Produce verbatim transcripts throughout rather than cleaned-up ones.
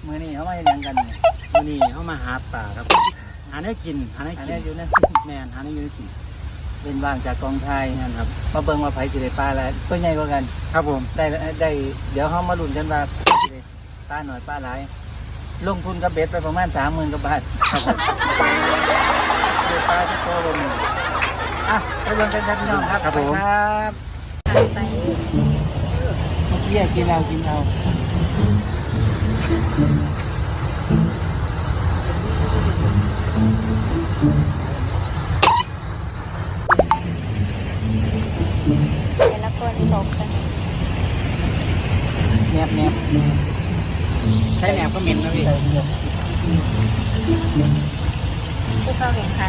มือนี่เขามาเห็นยังกันเนี่ยมื้อนี้เฮามาหาปลาครับหาเนื้อกินหาเนื้ออันกินี้นอยู่นะแม่นหาเนื้ออยู่ในกินเป็นว่างจากกองไทยนั่นครับมาเบิ่งมาไผสิได้ปลาแล้วตัวใหญ่กว่ากันครับผมได้ได้เดี๋ยวเขามาลุ้นกันว่าสิได้ปลาหน่อยปลาหลายลงทุนกับเบ็ดไปประมาณสามหมื่นกว่าบาทครับผมได้ปลาที่โตบนนี้อ่ะไปเบิ่งกันครับพี่น้องครับครับผมไปครับไปเมื่อกี้กินเอากินเอาแต่ละคนตกกันแนบแนบใช้แหนบก็เหม็นนะพี่ผู้เข้าแข่งขัน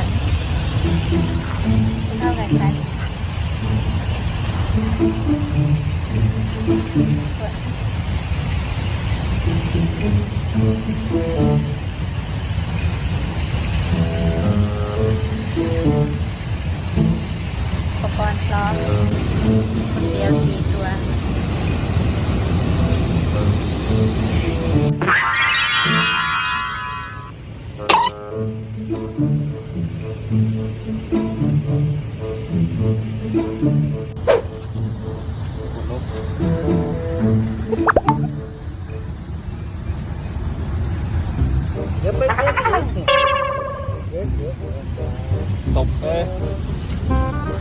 ผู้เข้าแข่งขันอุปกรณ์พร้อมคนเดียวสี่ตัวเดี๋ยวไปเดี๋ยวตบเอ้ย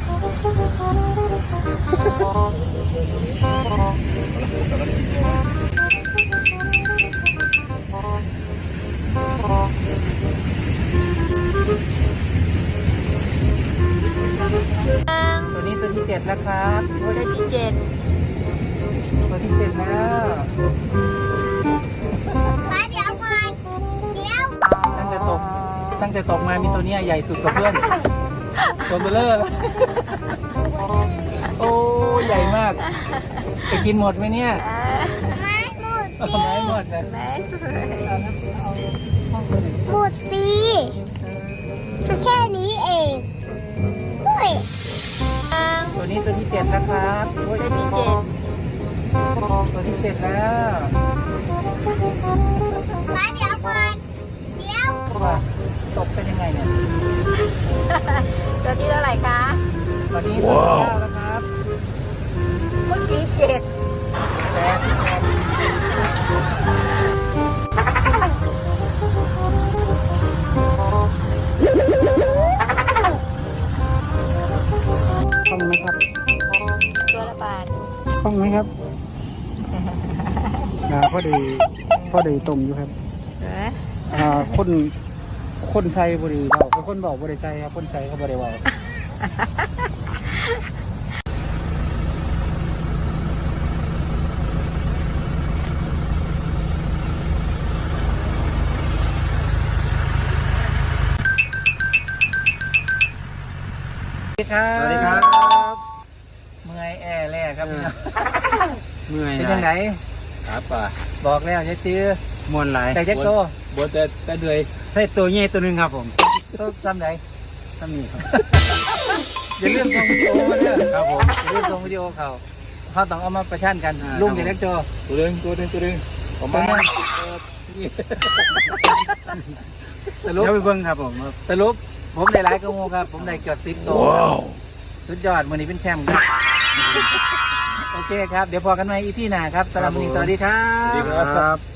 ตัวนี้ตัวที่เจ็ดแล้วครับตัวที่เจ็ดตัวที่เจ็ดแล้วมาเดี๋ยวก่อนเดี๋ยวตั้งแต่ตกตั้งแต่ตกมามีตัวเนี้ยใหญ่สุดกับเพื่อนตัวเบลเลอร์เลยโอ้ใหญ่มากไปกินหมดไหมเนี่ยไม่หมดเอาไม้หมดเลยแม่หมดสิแค่นี้เองเฮ้ยตัวนี้ตัวที่เจ็ดแล้วครับตัวที่เจ็ดตัวที่เจ็ดแล้วมาเดี๋ยวก่อนเดี๋ยวว่าตกเป็นยังไงเนี่ยตัวที่เท่าไหร่คะตอนนี้ตัวที่เก้าแล้วครับเมื่อกี้เจ็ดแปดแปดคล่องไหมครับตัวละบาทคล่องไหมครับอ่าพอดีพอดีต้มอยู่ครับเอออ่าคนคนใส่บริเบาเป็นคนบอกบริใส่ครับคนใส่เขาบริเบาสวัสดีครับสวัสดีครับเมื่อยแอร์แล่ครับพี่น้องเมื่อยเป็นยังไงครับป่าบอกแล้วจะซื้อม่วนหลายแต่เจ๊กโตบ่แต่แต่เดือยให้ตัวใหญ่ตัวหนึงครับผมโตทำไหนทำนี่ครับอย่าลืมส่งวิดีโอมาเนี่ยครับผมอย่าลืมส่งวิดีโอเขาเขาต้องเอามาประชันกันอ่าลุงครับเด็กโจตัวหนึงตัวหนึงตัวหนึงผมมาตัวหนึ่ง สรุปเดี๋ยวไปเบิ่งครับผมสรุปผมได้หลายกระโมครับ ผมได้เกือบสิบตัวสุดยอดวันนี้เป็นแชมป์ครับ โอเคครับ เดี๋ยวพอกันใหม่อีพีหน้าครับสำหรับวันนี้สวัสดีครัสวัสดีบครับ